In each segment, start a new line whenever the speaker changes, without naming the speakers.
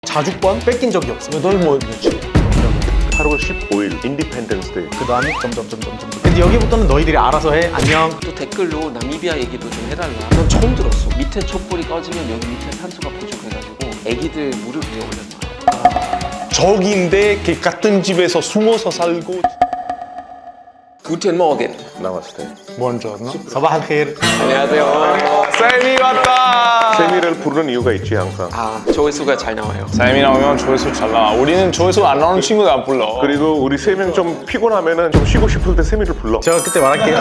자주권 뺏긴 적이 없어요.
널 뭐 며칠?
8월 15일 인디펜던스 데이.
그 다음에 점점점점점. 근데 여기부터는 너희들이 알아서 해. 안녕.
또 댓글로 나미비아 얘기도 좀 해달라. 난 처음 들었어. 밑에 촛불이 꺼지면 여기 밑에 산소가 부족해가지고 애기들 무릎 위에 올렸나.
적인데 그 같은 집에서 숨어서 살고.
구텐 모겐.
나왔을 때.
먼저 나?
사바할 케르.
안녕하세요.
쌤이 왔다.
세미를 부르는 이유가 있지 항상.
아, 조회수가 잘 나와요.
쌤이 나오면 조회수 잘 나와. 우리는 조회수 안 나오는 친구들 안 불러.
그리고 우리 세 명 좀 피곤하면은 좀 쉬고 싶을 때 세미를 불러.
제가 그때 말할게요.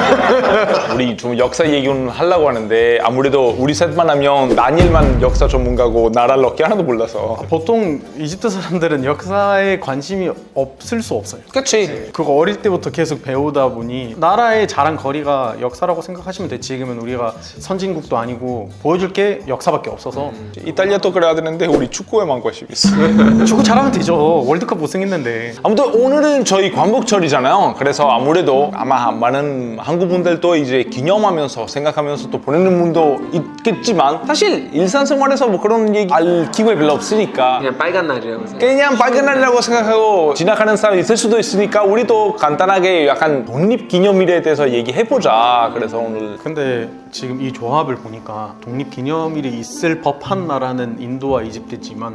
우리 좀 역사 얘기는 하려고 하는데 아무래도 우리 셋만 하면 나니엘만 역사 전문가고 나라 럭키 하나도 몰라서.
보통 이집트 사람들은 역사에 관심이 없을 수 없어요.
그치.
그거 어릴 때부터 계속 배우다 보니 나라의 자랑 거리가 역사라고 생각하시면 돼. 지금은 우리가 선진국도 아니고 보여줄 게 역사밖에 없어서
이탈리아도 그래야 되는데 우리 축구에만 관심 있어.
축구 잘하면 되죠. 월드컵 우승했는데.
아무튼 오늘은 저희 광복절이잖아요. 그래서 아무래도 아마 많은 한국 분들도 이제 기념하면서 생각하면서 또 보내는 분도 있겠지만 사실 일상생활에서 뭐 그런 얘기 알 기회 별로 없으니까
그냥 빨간 날이라고 생각.
그냥 빨간 날이라고 생각하고 지나가는 사람이 있을 수도 있으니까 우리도 간단하게 약간 독립기념일에 대해서 얘기해보자. 그래서 오늘
근데 지금 이 조합을 보니까 독립기념일이 있을 법한 나라는 인도와 이집트지만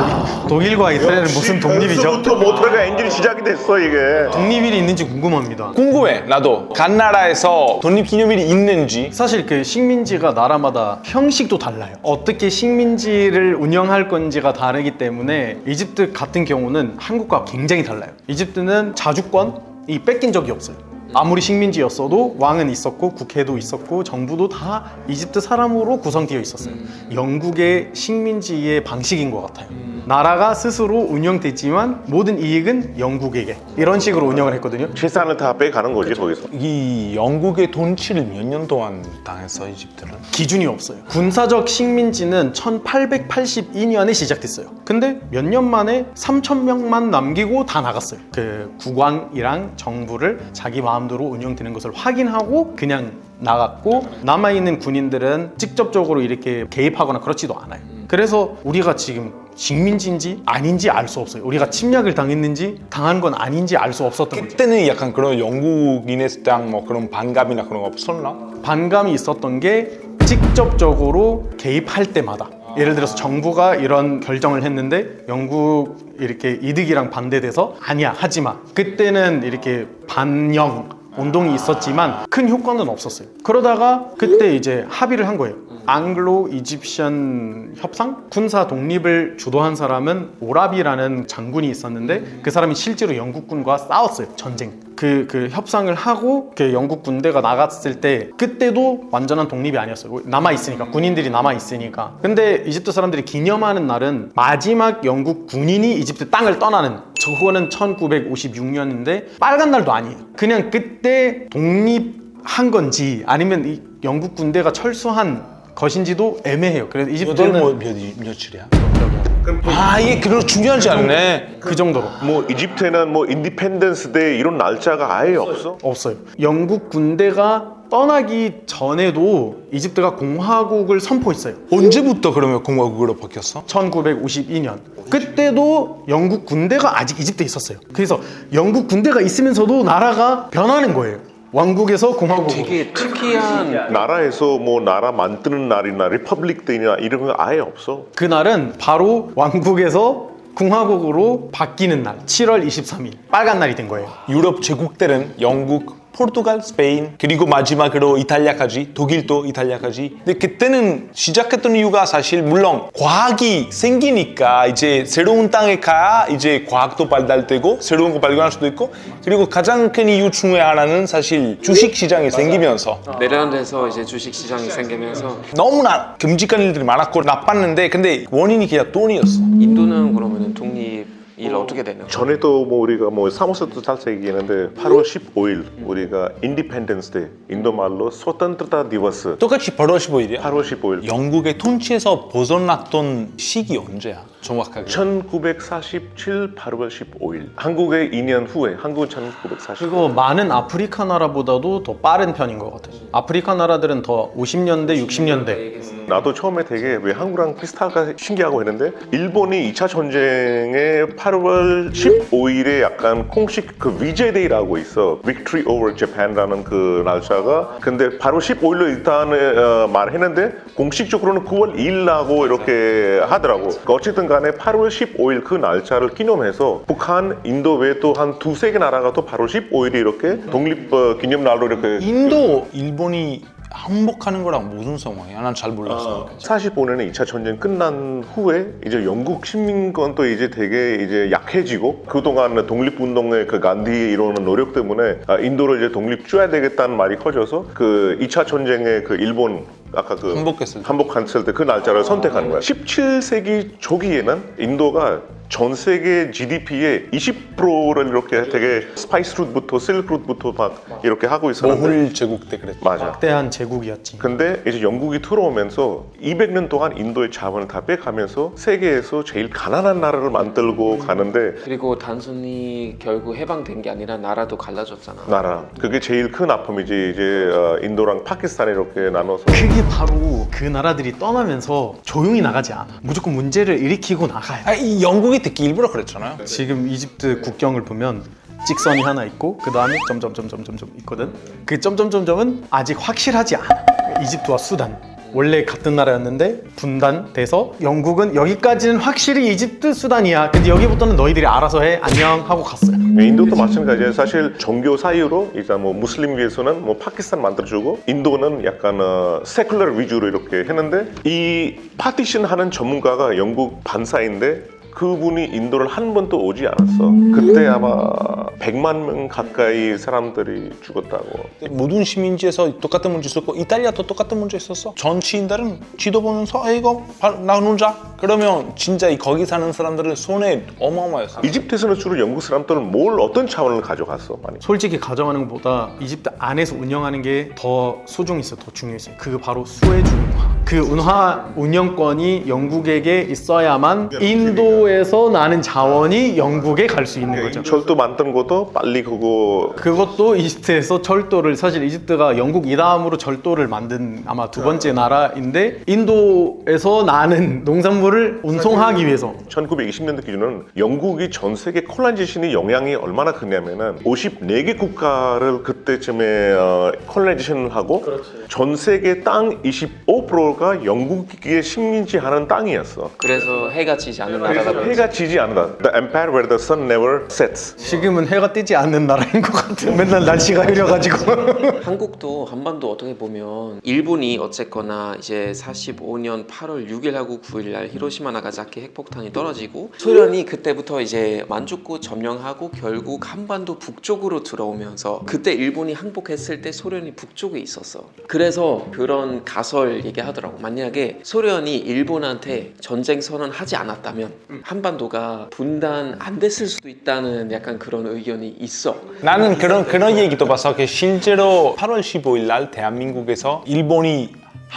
독일과 이스라엘은 무슨 독립이죠?
벌써부터 모터가 엔진이 시작이 됐어 이게.
독립일이 있는지 궁금합니다.
궁금해. 나도 간 나라에서 독립기념일이 있는지.
사실 그 식민지가 나라마다 형식도 달라요. 어떻게 식민지를 운영할 건지가 다르기 때문에 이집트 같은 경우는 한국과 굉장히 달라요. 이집트는 자주권이 뺏긴 적이 없어요. 아무리 식민지였어도 왕은 있었고 국회도 있었고 정부도 다 이집트 사람으로 구성되어 있었어요. 영국의 식민지의 방식인 것 같아요. 나라가 스스로 운영됐지만 모든 이익은 영국에게 이런 식으로 운영을 했거든요.
재산을 다 빼가는 거지 거기서.
이 영국의 통치를 몇 년 동안 당했어 이집트는?
기준이 없어요. 군사적 식민지는 1882년에 시작됐어요. 근데 몇 년 만에 3,000명만 남기고 다 나갔어요. 그 국왕이랑 정부를 자기 마음대로 운영되는 것을 확인하고 그냥 나갔고, 남아있는 군인들은 직접적으로 이렇게 개입하거나 그렇지도 않아요. 그래서 우리가 지금 식민지인지 아닌지 알 수 없어요. 우리가 침략을 당했는지 당한 건 아닌지 알 수 없었던 거죠.
그때는 약간 그런 영국인에 대한 뭐 그런 반감이나 그런 거 없었나?
반감이 있었던 게 직접적으로 개입할 때마다, 예를 들어서 정부가 이런 결정을 했는데 영국 이렇게 이득이랑 반대돼서 아니야 하지마, 그때는 이렇게 반영 운동이 있었지만 큰 효과는 없었어요. 그러다가 그때 이제 합의를 한 거예요. 앙글로 이집션 협상? 군사 독립을 주도한 사람은 오라비라는 장군이 있었는데 그 사람이 실제로 영국군과 싸웠어요. 전쟁. 그 협상을 하고 그 영국 군대가 나갔을 때 그때도 완전한 독립이 아니었어요. 남아있으니까, 군인들이 남아있으니까. 근데 이집트 사람들이 기념하는 날은 마지막 영국 군인이 이집트 땅을 떠나는, 저거는 1956년인데 빨간 날도 아니에요. 그냥 그때 독립한 건지 아니면 이 영국 군대가 철수한 것인지도 애매해요. 그래서 이집트는
뭐 며칠이야? 아 이게 그런 중요하지 않네.
그 정도로
뭐 이집트에는 뭐 인디펜던스 데이 이런 날짜가 아예 없어?
없어요. 영국 군대가 떠나기 전에도 이집트가 공화국을 선포했어요.
언제부터 그러면 공화국으로 바뀌었어?
1952년. 그때도 영국 군대가 아직 이집트에 있었어요. 그래서 영국 군대가 있으면서도 나라가 변하는 거예요. 왕국에서 공화국으로.
되게 특이한.
나라에서 뭐 나라 만드는 날이나 리퍼블릭 데이나 이런 거 아예 없어.
그날은 바로 왕국에서 공화국으로 바뀌는 날, 7월 23일 빨간 날이 된 거예요.
유럽 제국들은 영국, 포르투갈, 스페인, 그리고 마지막으로 이탈리아까지, 독일도 이탈리아까지. 근데 그때는 시작했던 이유가 사실 물론 과학이 생기니까 이제 새로운 땅에 가야 이제 과학도 발달되고 새로운 거 발견할 수도 있고, 그리고 가장 큰 이유 중에 하나는 사실 주식 시장이 생기면서
네덜란드에서 이제 주식 시장이 생기면서.
너무나 끔찍한 일들이 많았고 나빴는데, 근데 원인이 그냥 돈이었어.
인도는 그러면 독립 일 어떻게 되는 거야?
전에도 뭐 우리가 뭐 사무소도 살짝 얘기했는데 8월 15일 우리가 인디펜던스 데이, 인도 말로 소탄트타 디버스.
똑같이 8월 15일이야.
8월 15일.
영국의 통치에서 벗어났던 시기 언제야? 정확하게.
1947 8월 15일. 한국의 2년 후에, 한국은 1940.
그리고 많은 아프리카 나라보다도 더 빠른 편인 것 같아요. 아프리카 나라들은 더 50년대, 60년대
나도 처음에 되게 왜 한국랑 비슷할까 신기하고 했는데 일본이 2차 전쟁의 8월 15일에 약간 공식 그 위제데이라고 있어. Victory over Japan라는 그 날짜가. 근데 바로 15일로 일단 말했는데 공식적으로는 9월 2일라고 이렇게 하더라고. 그러니까 어쨌든 간에 8월 15일 그 날짜를 기념해서 북한, 인도 외에 또 한 두세 개 나라가 또 8월 15일이 이렇게 독립 기념날로 이렇게
인도, 일본이 항복하는 거랑 무슨 상황이야? 난 잘 몰랐어.
45년에 2차 전쟁 끝난 후에 이제 영국 식민권도 이제 되게 이제 약해지고 그동안 독립운동의 그 간디 이러는 노력 때문에 인도를 이제 독립 줘야 되겠다는 말이 커져서 그 2차 전쟁의 그 일본 아까 그 항복했을 때 그 날짜를 선택하는 거야. 17세기 초기에는 인도가 전 세계 GDP의 20%를 이렇게 되게 스파이스 루트부터 실크 루트부터 막 이렇게 하고 있었는데
모훌 제국 때 그랬지.
맞아.
막대한 제국이었지.
근데 이제 영국이 들어오면서 200년 동안 인도의 자본을 다 빼가면서 세계에서 제일 가난한 나라를 만들고 가는데
그리고 단순히 결국 해방된 게 아니라 나라도 갈라졌잖아.
나라 그게 제일 큰 아픔이지. 이제 인도랑 파키스탄 이렇게 나눠서
그게 바로 그 나라들이 떠나면서 조용히 나가지 않아. 무조건 문제를 일으키고 나가야 돼.
이 영국이 듣기 일부러 그랬잖아요.
지금 이집트 국경을 보면 직선이 하나 있고 그 다음에 점점점점점점 있거든. 그 점점점점은 아직 확실하지 않아. 이집트와 수단 원래 같은 나라였는데 분단돼서 영국은 여기까지는 확실히 이집트 수단이야. 근데 여기부터는 너희들이 알아서 해. 안녕 하고 갔어요.
인도도 마찬가지예요. 사실 종교 사이로 일단 뭐 무슬림 위해서는 뭐 파키스탄 만들어주고 인도는 약간 세큘러 위주로 이렇게 했는데 이 파티션 하는 전문가가 영국 반사인데 그분이 인도를 한 번도 오지 않았어. 그때 아마 100만 명 가까이 사람들이 죽었다고.
모든 시민지에서 똑같은 문제 있었고 이탈리아도 똑같은 문제 있었어. 전 시인들은 지도 보면서 이거 나누자. 그러면 진짜 거기 사는 사람들은 손해 어마어마했어.
이집트에서는 주로 영국 사람들은 뭘 어떤 차원을 가져갔어? 많이.
솔직히 가져가는 것보다 이집트 안에서 운영하는 게 더 소중했어. 더 중요했어요. 그게 바로 수에즈 운하. 그 운하 운영권이 영국에게 있어야만 인도에서 나는 자원이 영국에 갈 수 있는 거죠.
철도 만든 것도 빨리
그것도 이집트에서 철도를 사실 이집트가 영국 이다음으로 철도를 만든 아마 두 번째 나라인데 인도에서 나는 농산물을 운송하기 위해서
1920년대 기준은 영국이 전 세계 콜라이제이션의 영향이 얼마나 크냐면은 54개 국가를 그때쯤에 콜라이제이션을 하고 전 세계 땅 25%가 영국의 식민지 하는 땅이었어.
그래서 해가 지지 않는 나라가
그래서 해가 지지 않는다. The empire where the sun never sets.
지금은 해가 뜨지 않는 나라인 것 같아. 맨날 날씨가 흐려가지고.
한국도 한반도 어떻게 보면 일본이 어쨌거나 이제 45년 8월 6일하고 9일 날 히로시마 나가사키 핵폭탄이 떨어지고 소련이 그때부터 이제 만주쿠 점령하고 결국 한반도 북쪽으로 들어오면서 그때 일본이 항복했을 때 소련이 북쪽에 있었어. 그래서 그런 가설 얘기하더라고. 만약에 소련이 일본한테 전쟁 선언하지 않았다면 한반도가 분단 안 됐을 수도 있다는 약간 그런 의견이 있어.
나는 그런 얘기도 봤어. 실제로 8월 15일 날 대한민국에서 일본이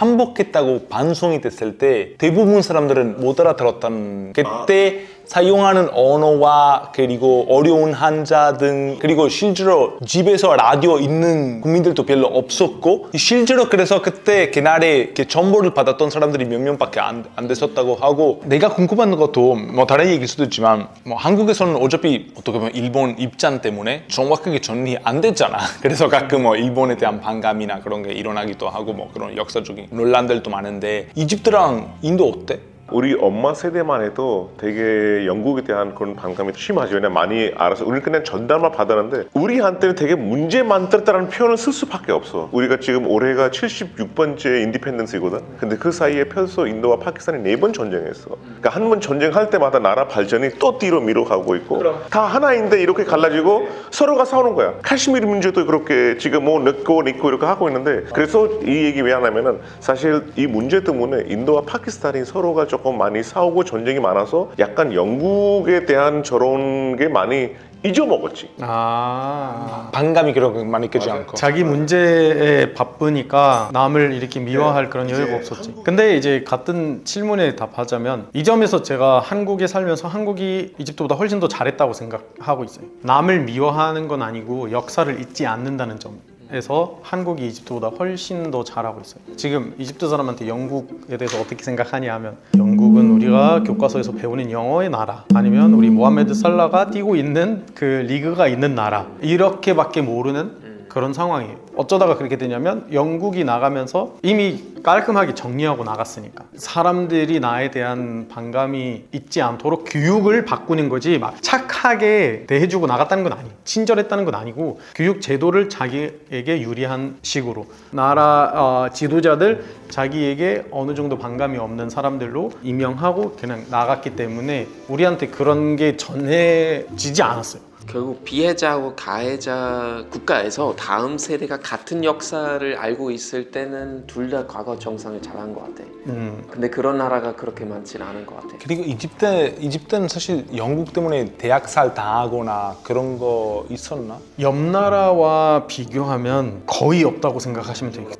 항복했다고 방송이 됐을 때 대부분 사람들은 못 알아들었다는 그때 사용하는 언어와 그리고 어려운 한자 등 그리고 실제로 집에서 라디오 있는 국민들도 별로 없었고 실제로 그래서 그때 그날에 정보를 받았던 사람들이 몇 명밖에 안 됐었다고 하고 내가 궁금한 것도 뭐 다른 얘기일 수도 있지만 뭐 한국에서는 어차피 어떻게 보면 일본 입장 때문에 정확하게 정리 안 됐잖아. 그래서 가끔 뭐 일본에 대한 반감이나 그런 게 일어나기도 하고 뭐 그런 역사적인 논란들도 많은데 이집트랑 인도 어때?
우리 엄마 세대만 해도 되게 영국에 대한 그런 반감이 심하죠. 그냥 많이 알아서 우리는 그냥 전달만 받았는데 우리한테는 되게 문제 만들었다는 표현을 쓸 수밖에 없어. 우리가 지금 올해가 76번째 인디펜던스이거든. 근데 그 사이에 벌써 인도와 파키스탄이 4번 전쟁했어. 그러니까 한 번 전쟁할 때마다 나라 발전이 또 뒤로 미뤄가고 있고 다 하나인데 이렇게 갈라지고 서로가 싸우는 거야. 카시미르 문제도 그렇게 지금 뭐 늦고 이렇게 하고 있는데 그래서 이 얘기 왜 하냐면은 사실 이 문제 때문에 인도와 파키스탄이 서로가 조금 많이 싸우고 전쟁이 많아서 약간 영국에 대한 저런 게 많이 잊어먹었지.
반감이 그렇게 많이 있지 않고
자기 문제에 바쁘니까 남을 이렇게 미워할 그런 여유가 없었지. 근데 이제 같은 질문에 답하자면 이 점에서 제가 한국에 살면서 한국이 이집트보다 훨씬 더 잘했다고 생각하고 있어요. 남을 미워하는 건 아니고 역사를 잊지 않는다는 점. 부분에서 한국이 이집트보다 훨씬 더 잘하고 있어요. 지금 이집트 사람한테 영국에 대해서 어떻게 생각하냐 하면 영국은 우리가 교과서에서 배우는 영어의 나라 아니면 우리 모하메드 살라가 뛰고 있는 그 리그가 있는 나라 이렇게밖에 모르는 그런 상황이에요. 어쩌다가 그렇게 되냐면 영국이 나가면서 이미 깔끔하게 정리하고 나갔으니까 사람들이 나에 대한 반감이 있지 않도록 교육을 바꾸는 거지 막 착하게 대해주고 나갔다는 건 아니에요. 친절했다는 건 아니고 교육 제도를 자기에게 유리한 식으로 나라 지도자들 자기에게 어느 정도 반감이 없는 사람들로 임명하고 그냥 나갔기 때문에 우리한테 그런 게 전해지지 않았어요.
결국 비해자하고 가해자 국가에서 다음 세대가 같은 역사를 알고 있을 때는 둘 다 과거 정상을 잘한 것 같아. 근데 그런 나라가 그렇게 많지는 않은 것 같아.
그리고 이집트는 사실 영국 때문에 대학살 당하거나 그런 거 있었나?
옆 나라와 비교하면 거의 없다고 생각하시면 돼요.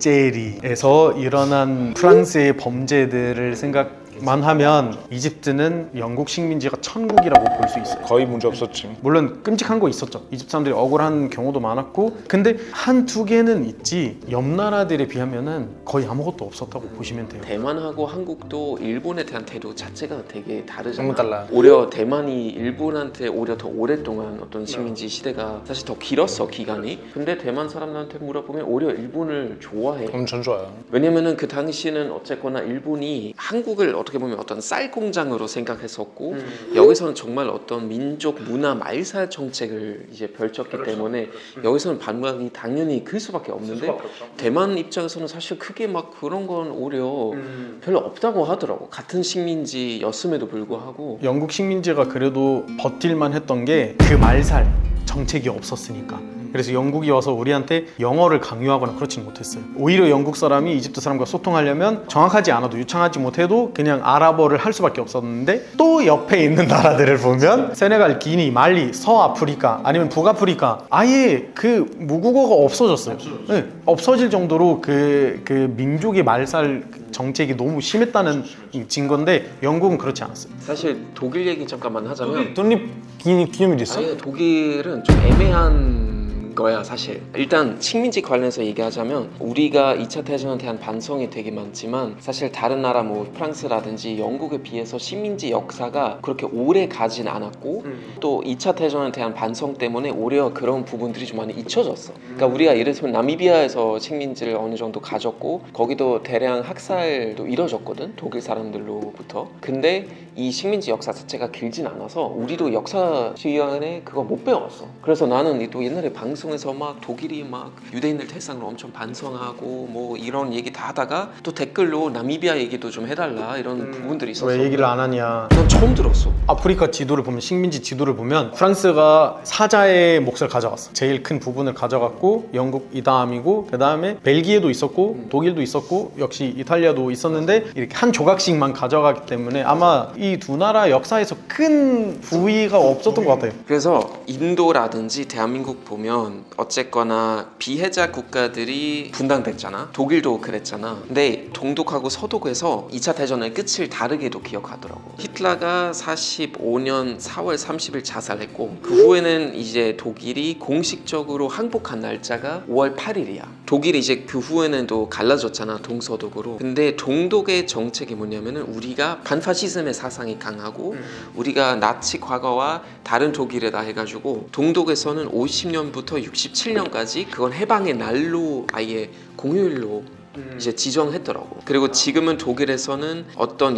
알제리에서 일어난 프랑스의 범죄들을 생각만 하면 이집트는 영국 식민지가 천국이라고 볼 수 있어요.
거의 문제 없었지.
물론 끔찍한 거 있었죠. 이집트 사람들이 억울한 경우도 많았고 근데 한두 개는 있지 옆 나라들에 비하면은 거의 아무것도 없었다고 보시면 돼요.
대만하고 한국도 일본에 대한 태도 자체가 되게 다르잖아.
너무 달라.
오히려 대만이 일본한테 오히려 더 오랫동안 어떤 식민지 시대가 사실 더 길었어 기간이. 근데 대만 사람들한테 물어보면 오히려 일본을 좋아해.
엄청 좋아요.
왜냐면은 그 당시는 어쨌거나 일본이 한국을 어떻게 보면 어떤 쌀 공장으로 생각했었고 여기서는 정말 어떤 민족 문화 말살 정책을 이제 펼쳤기 때문에 여기서는 반감이 당연히 클 수밖에 없는데 대만 입장에서는 사실 크게 막 그런 건 오히려 별로 없다고 하더라고. 같은 식민지였음에도 불구하고.
영국 식민지가 그래도 버틸만 했던 게 그 말살 정책이 없었으니까. 그래서 영국이 와서 우리한테 영어를 강요하거나 그렇지는 못했어요. 오히려 영국 사람이 이집트 사람과 소통하려면 정확하지 않아도 유창하지 못해도 그냥 아랍어를 할 수밖에 없었는데 또 옆에 있는 나라들을 보면 세네갈, 기니, 말리, 서아프리카 아니면 북아프리카 아예 그 무국어가 없어졌어요. 네, 없어질 정도로 그 민족의 말살 정책이 너무 심했다는 증거인데 영국은 그렇지 않았어요.
사실 독일 얘기 잠깐만 하자면
독립 기념일 있어?
아예 독일은 좀 애매한 거야 사실. 일단 식민지 관련해서 얘기하자면 우리가 2차 대전에 대한 반성이 되게 많지만 사실 다른 나라 뭐 프랑스라든지 영국에 비해서 식민지 역사가 그렇게 오래 가진 않았고 또 2차 대전에 대한 반성 때문에 오히려 그런 부분들이 좀 많이 잊혀졌어. 그러니까 우리가 예를 들면 나미비아에서 식민지를 어느 정도 가졌고 거기도 대량 학살도 이뤄졌거든 독일 사람들로부터. 근데 이 식민지 역사 자체가 길진 않아서 우리도 역사 시간에 그거 못 배웠어. 그래서 나는 또 옛날에 방송에서 막 독일이 막 유대인들 대상으로 엄청 반성하고 뭐 이런 얘기 다 하다가 또 댓글로 나미비아 얘기도 좀 해달라 이런 부분들이 있었어.
왜 얘기를 안 하냐.
난 처음 들었어.
아프리카 지도를 보면 식민지 지도를 보면 프랑스가 사자의 몫을 가져갔어. 제일 큰 부분을 가져갔고 영국 이 다음이고 그 다음에 벨기에도 있었고 독일도 있었고 역시 이탈리아도 있었는데 이렇게 한 조각씩만 가져가기 때문에 아마 이 두 나라 역사에서 큰 부위가 없었던 것 같아요.
그래서 인도라든지 대한민국 보면 어쨌거나 비해자 국가들이 분단됐잖아. 독일도 그랬잖아. 근데 동독하고 서독에서 2차 대전의 끝을 다르게도 기억하더라고. 히틀러가 45년 4월 30일 자살했고 그 후에는 이제 독일이 공식적으로 항복한 날짜가 5월 8일이야. 독일이 이제 그 후에는 또 갈라졌잖아 동서독으로. 근데 동독의 정책이 뭐냐면은 우리가 반파시즘의 사상이 강하고 우리가 나치 과거와 다른 독일에다 해가지고 동독에서는 50년부터 67년까지 그건 해방의 날로 아예 공휴일로 이제 지정했더라고. 그리고 지금은 독일에서는 어떤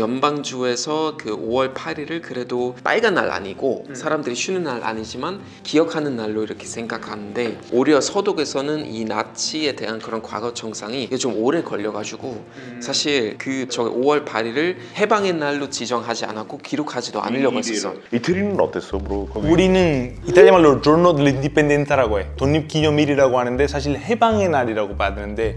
연방주에서 그 5월 8일을 그래도 빨간 날 아니고 사람들이 쉬는 날 아니지만 기억하는 날로 이렇게 생각하는데 오히려 서독에서는 이 나치에 대한 그런 과거 정상이 좀 오래 걸려가지고 사실 그 5월 8일을 해방의 날로 지정하지 않았고 기록하지도 않으려고 했었어.
이태리는 어땠어, 브로?
우리는 이탈리아 말로 Giorno dell'Indipendenza라고 해. 독립기념일이라고 하는데 사실 해방의 날이라고 봐야 되는데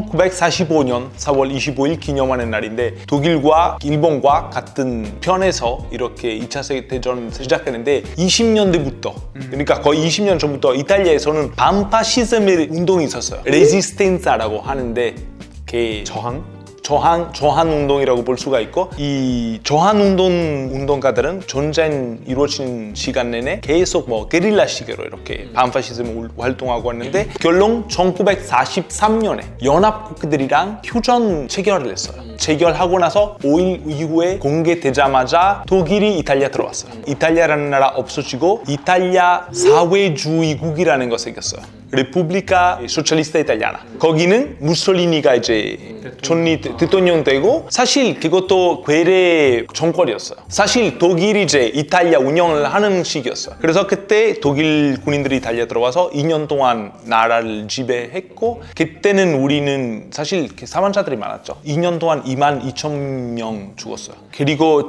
1945년 4월 25일 기념하는 날인데 독일과 일본과 같은 편에서 이렇게 2차 세계대전 시작했는데 20년대부터 그러니까 거의 20년 전부터 이탈리아에서는 반파시즘의 운동이 있었어요. 레지스텐자라고 하는데
저항?
저한 운동이라고 볼 수가 있고, 이 저한 운동가들은 전쟁 이루어진 시간 내내 계속 뭐 게릴라식으로 이렇게 반파시즘 활동하고 왔는데, 결론 1943년에 연합국들이랑 휴전 체결을 했어요. 체결하고 나서 5일 이후에 공개되자마자 독일이 이탈리아 들어왔어요. 이탈리아라는 나라 없어지고 이탈리아 사회주의국이라는 거 생겼어요. 레푸블리카 소셜리스타 이탈리아나. 거기는 무솔리니가 이제 대통령 되고, 사실 그것도 괴뢰 정권이었어요. 사실 독일이 이제 이탈리아 운영을 하는 시기였어요. 그래서 그때 독일 군인들이 이탈리아 들어와서 2년 동안 나라를 지배했고, 그때는 우리는 사실 사망자들이 많았죠. 2년 동안 22,000명 죽었어요. 그리고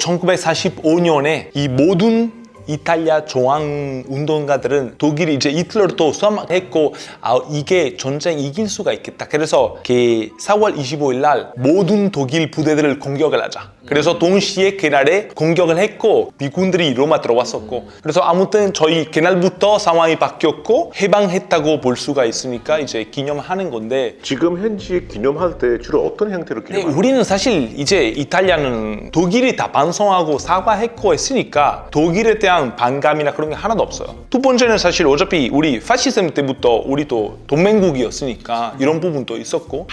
1945년에 이 모든 이탈리아 저항 운동가들은 독일이 이제 히틀러를 또 수함했고, 이게 전쟁 이길 수가 있겠다. 그래서 4월 25일 날 모든 독일 부대들을 공격을 하자. 그래서 동시에 그날에 공격을 했고, 미군들이 로마 들어왔었고, 그래서 아무튼 저희 그날부터 상황이 바뀌었고 해방했다고 볼 수가 있으니까 이제 기념하는 건데,
지금 현지 기념할 때 주로 어떤 형태로 기념해요?
우리는 사실 이제 이탈리아는 독일이 다 반성하고 사과했고 했으니까 독일에 대한 반감이나 그런 게 하나도 없어요. 두 번째는 사실 어차피 우리 파시즘 때부터 우리도 동맹국이었으니까 이런 부분도 있었고,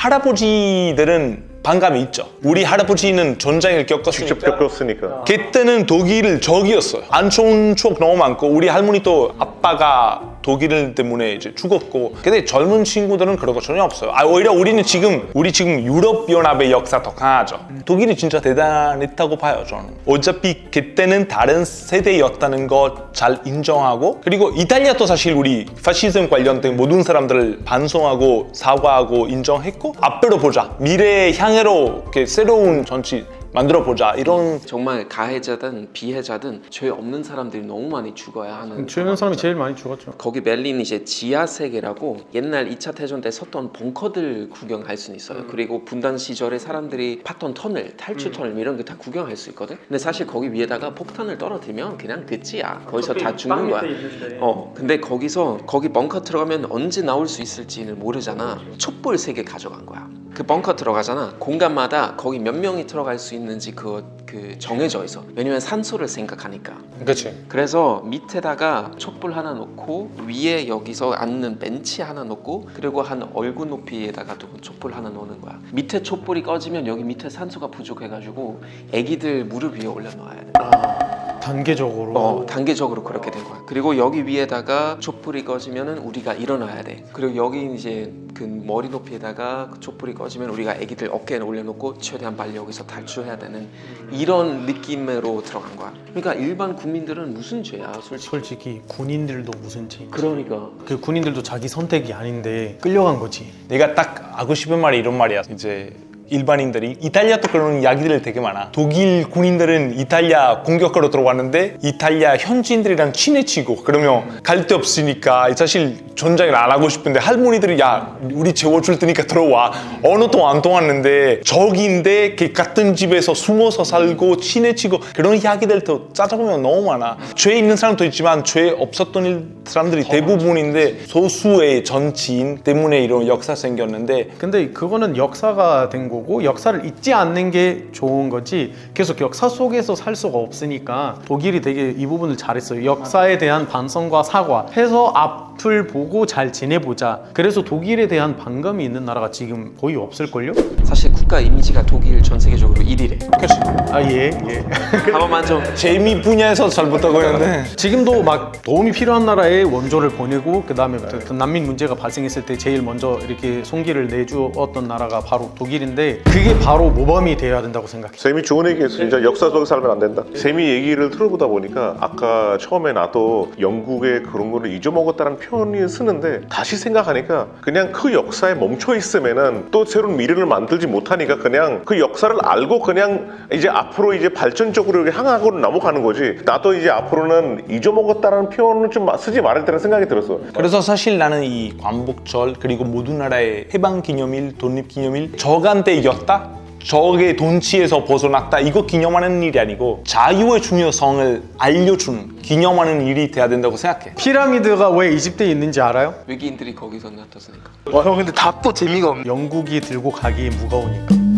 할아버지들은 반감이 있죠. 우리 할아버지는 전쟁을 겪었으니까.
직접 겪었으니까.
그때는 독일 적이었어요. 안 좋은 추억 너무 많고, 우리 할머니도 아빠가 독일 때문에 이제 죽었고. 근데 젊은 친구들은 그런 거 전혀 없어요. 오히려 우리 지금 유럽 연합의 역사 더 강하죠. 독일이 진짜 대단했다고 봐요, 저는. 어차피 그때는 다른 세대였다는 거 잘 인정하고, 그리고 이탈리아도 사실 우리 파시즘 관련된 모든 사람들을 반성하고 사과하고 인정했고, 앞으로 보자. 미래의 향해로 이렇게 새로운 정치 만들어보자, 이런.
정말 가해자든 비해자든 죄 없는 사람들이 너무 많이 죽어야 하는.
죄 없는 사람이 제일 많이 죽었죠.
거기 베를린 이제 지하 세계라고 옛날 2차 대전 때 섰던 벙커들 구경할 수는 있어요. 그리고 분단 시절에 사람들이 팠던 터널, 탈출 터널 이런 거 다 구경할 수 있거든. 근데 사실 거기 위에다가 폭탄을 떨어뜨리면 그냥 끝이야. 거기서 다 죽는 거야. 근데 거기 벙커 들어가면 언제 나올 수 있을지는 모르잖아. 촛불 3개 가져간 거야. 그 벙커 들어가잖아. 공간마다 거기 몇 명이 들어갈 수 있는지 그 정해져 있어. 왜냐면 산소를 생각하니까.
그치.
그래서 밑에다가 촛불 하나 놓고, 위에 여기서 앉는 벤치 하나 놓고, 그리고 한 얼굴 높이에다가 또 촛불 하나 놓는 거야. 밑에 촛불이 꺼지면 여기 밑에 산소가 부족해가지고 애기들 무릎 위에 올려놓아야 돼. 단계적으로 그렇게 된 거야. 그리고 여기 위에다가 촛불이 꺼지면은 우리가 일어나야 돼. 그리고 여기 이제 그 머리 높이에다가 그 촛불이 꺼지면 우리가 애기들 어깨에 올려놓고 최대한 빨리 여기서 탈출해야 되는 이런 느낌으로 들어간 거야. 그러니까 일반 국민들은 무슨 죄야,
솔직히 군인들도 무슨 죄.
그러니까
그 군인들도 자기 선택이 아닌데 끌려간 거지.
내가 딱 하고 싶은 말이 이런 말이야. 이제 일반인들이 이탈리아도 그런 이야기들 되게 많아. 독일 군인들은 이탈리아 공격하러 들어왔는데 이탈리아 현지인들이랑 친해지고, 그러면 갈 데 없으니까 사실 전쟁을 안 하고 싶은데 할머니들이 야 우리 재워줄 테니까 들어와. 언어도 안 통하는데 적인데 그 같은 집에서 숨어서 살고 친해지고, 그런 이야기들도 찾아보면 너무 많아. 죄 있는 사람도 있지만 죄 없었던 사람들이 대부분인데 소수의 정치인 때문에 이런 역사 생겼는데,
근데 그거는 역사가 된 거고 역사를 잊지 않는 게 좋은 거지, 계속 역사 속에서 살 수가 없으니까 독일이 되게 이 부분을 잘했어요. 역사에 대한 반성과 사과해서 앞을 보고 잘 지내보자. 그래서 독일에 대한 반감이 있는 나라가 지금 거의 없을걸요?
사실 국가 이미지가 독일 전 세계적으로 1위래.
그치.
예.
한 번만 좀.
재미 분야에서 잘 못하고 있는데,
지금도 막 도움이 필요한 나라에 원조를 보내고, 그 다음에 난민 문제가 발생했을 때 제일 먼저 이렇게 손길을 내주었던 나라가 바로 독일인데, 그게 바로 모범이 되어야 된다고 생각해.
쌤이 좋은 얘기했어. 진짜 역사 속에 살면 안 된다. 쌤이 얘기를 들어보다 보니까 아까 처음에 나도 영국의 그런 거를 잊어먹었다는 표현을 쓰는데, 다시 생각하니까 그냥 그 역사에 멈춰 있으면은 또 새로운 미래를 만들지 못하니까 그냥 그 역사를 알고 그냥 이제 앞으로 이제 발전적으로 이렇게 향하고 넘어가는 거지. 나도 이제 앞으로는 잊어먹었다는 표현을 좀 쓰지 말아야 된다는 생각이 들었어.
그래서 사실 나는 이 광복절 그리고 모든 나라의 해방기념일, 독립기념일 저간때 이겼다? 적의 돈치에서 벗어났다, 이거 기념하는 일이 아니고 자유의 중요성을 알려주는, 기념하는 일이 돼야 된다고 생각해.
피라미드가 왜 이집트에 있는지 알아요?
외계인들이 거기서 나타났으니까.
형 근데 답도 재미가 없네.
영국이 들고 가기에 무거우니까.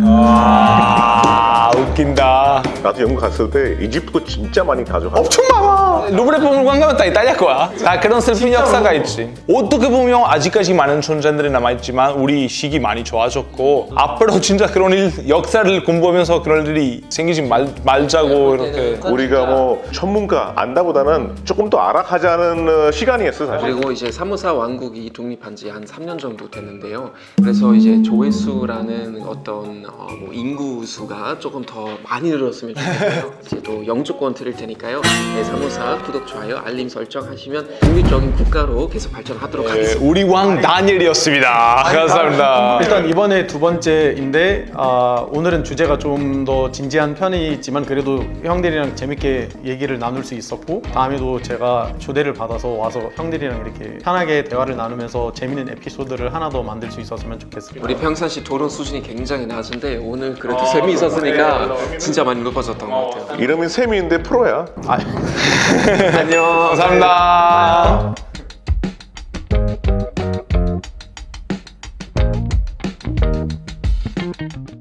웃긴다.
나도 영국 갔을 때 이집트 진짜 많이 가져가.
엄청 많아. 루브르 박물관 가면 다 이탈리아 거야. 다 그런 슬픈 역사가 있지. 어떻게 보면 아직까지 많은 존재들이 남아있지만 우리 시기 많이 좋아졌고 앞으로 진짜 그런 역사를 공부하면서 그런 일이 생기지 말자고 이렇게.
우리가 뭐 전문가 안다보다는 조금 더 알아가자는 시간이었어 사실.
그리고 이제 사모사 왕국이 독립한 지 한 3년 정도 됐는데요. 그래서 이제 조회수라는 어떤 뭐 인구 수가 조금 더 많이 늘었으면 좋겠고요. 이제 또 영주권 드릴 테니까요. 네, 사모사 구독, 좋아요, 알림 설정하시면 독립적인 국가로 계속 발전하도록 하겠습니다.
우리 왕 다니엘이었습니다. 감사합니다.
일단 이번에 두 번째인데 오늘은 주제가 좀 더 진지한 편이지만 그래도 형들이랑 재밌게 얘기를 나눌 수 있었고 다음에도 제가 초대를 받아서 와서 형들이랑 이렇게 편하게 대화를 나누면서 재밌는 에피소드를 하나 더 만들 수 있었으면 좋겠습니다.
우리 평상시 토론 수준이 굉장히 낮은데 오늘 그래도 셈이 있었으니까 진짜 많이 높아졌던 것 같아요.
이름이 샘이인데 프로야.
안녕.
감사합니다.